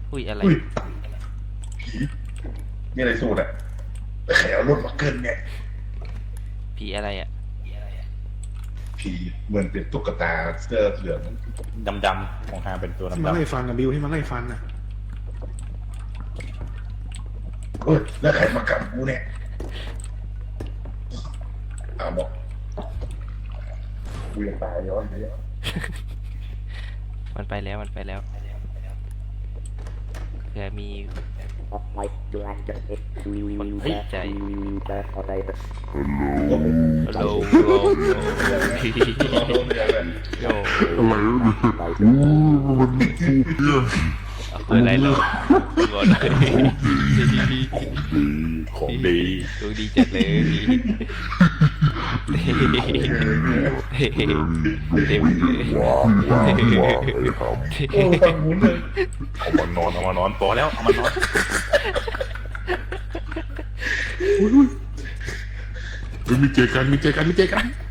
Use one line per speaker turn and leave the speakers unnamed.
อุ้ยอะไร
อุ้ยผีนี่อะไรสูตรอะแขวรถมาเกินเนี่ย
ผีอะไรอ่ะ
ผีเหมือนเป็นตุ๊กตาเสื้อเหลือง
ดำๆของทางเป็นตัว
ที่มัน
ดำ
ไล่ฟันอะบิวที่มันไล่ฟันอะ
เฮ้ยแล้วใครมากับกูเนี่ยบอกกูยังตายย้อนไปแล้ว
มันไปแล้วเผื่อมีคนติดใจโลโล
โดนเลยเลย
โย
อะไรมันพูดเนี่ย
เอาเปิดอะไรโลงอนเลย
ๆของดี
ดูดีจัดเลยเต็มเลย
ว้าวเลยครับ
โอ้ฟังหมุนเลย
เอามานอนพอแล้วเอามานอน
เฮ้ยมีเจอกัน